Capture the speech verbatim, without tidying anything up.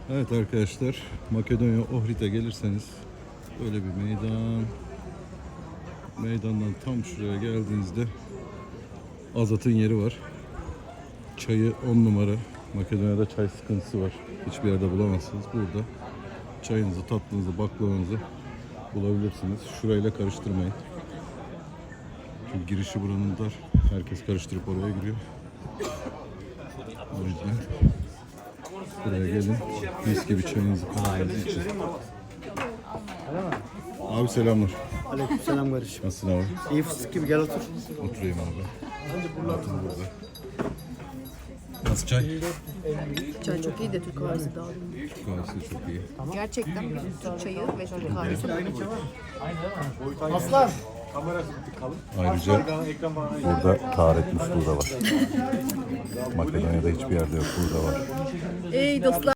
Evet arkadaşlar, Makedonya Ohrid'e gelirseniz böyle bir meydan. Meydandan tam şuraya geldiğinizde Azat'ın yeri var. Çayı on numara. Makedonya'da çay sıkıntısı var. Hiçbir yerde bulamazsınız. Burada çayınızı, tatlınızı, baklavanızı bulabilirsiniz. Şurayla karıştırmayın. Çünkü girişi buranın dar. Herkes karıştırıp oraya giriyor. O yüzden buraya gelin. Mis gibi çayınızı, kahvenizi için. Abi selamlar. Aleykümselam kardeşim. Nasılsın abi? İyi fıstık gibi, gel otur. Oturayım abi. Otur burada. Nasıl çay? Çay çok iyi de Türk kahvesi daha iyi. Türk kahvesi çok iyi. Gerçekten Türk çayı ve Türk kahvesi Aslan. Ayrıca burada taharet musluğu da var. Makedonya'da hiçbir yerde yok, burada var. Ey dostlar.